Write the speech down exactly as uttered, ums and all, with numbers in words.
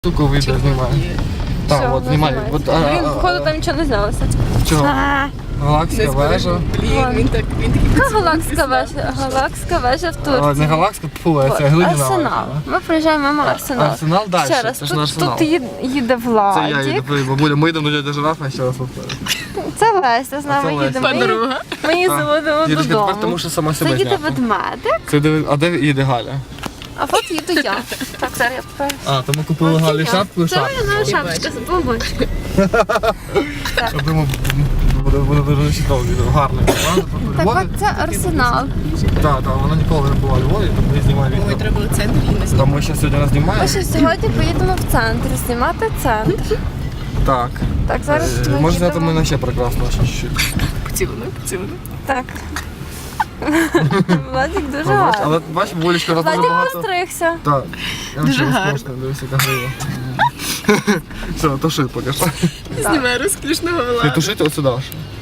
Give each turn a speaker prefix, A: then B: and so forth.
A: Штуку відео знімаю. Так, от знімаю. От, а,
B: Блін,
A: а,
B: походу
A: а,
B: там нічого не знялося.
A: Чого?
B: А,
A: Галактика вежа.
C: Блін, він так, він такий
B: Яка галактика вежа? Галактика вежа в
A: А, Не
B: Турції.
A: галактика, фу, це глиняна
B: Арсенал.
A: вежа.
B: Ми проїжджаємо мимо Арсенал.
A: Арсенал далі,
B: Ще раз,
A: це ж не
B: тут,
A: Арсенал.
B: тут їде, їде
A: Це я
B: Владік.
A: їду, бабуля, ми йдемо до дяді Жирафа, ще раз повторю.
B: Це Леся з
A: це
B: нами
A: Леся.
B: їдемо. Ми,
C: подруга.
B: ми її
A: Так.
B: заводимо
A: Їдеш тепер, тому
B: додому.
A: що сама
B: Це
A: себе
B: їде
A: зняти.
B: ведмедик,
A: Це де, а де їде Галя?
B: а от їду я. Так, зараз я покажу.
A: А, то ми купили
B: От
A: Галі
B: я.
A: шапку і
B: Це
A: шапку.
B: моя шапочка з бомбочкою.
A: Я думаю, буде, буде дуже чудово відео, гарне.
B: Так от це Арсенал.
A: Так, так, вона ніколи не була у Львові, тому я знімаю
C: Ой,
A: відео.
C: треба було центр і не
A: Та ми ще сьогодні нас
B: Ми
A: знімаємо.
B: ще сьогодні поїдемо в центр, знімати центр.
A: Так.
B: Так, зараз
A: Е,
B: ми
A: Може зняти
B: їдемо.
A: мене ще прекрасно, ще чуть-чуть.
C: поцілуй, поцілуй.
B: Так. Владик дуже
A: Ну, бач,
B: гарний.
A: Але бачиш, Волічка, раз дуже
B: Владик
A: багато.
B: постригся.
A: Так. Я
C: Дуже
A: ще
C: гарно.
A: розкошно, дивись, яка грива. Все, туши поки що.
C: Знімаю розкішного
A: Ти
C: Влада.
A: тушити от сюди аж.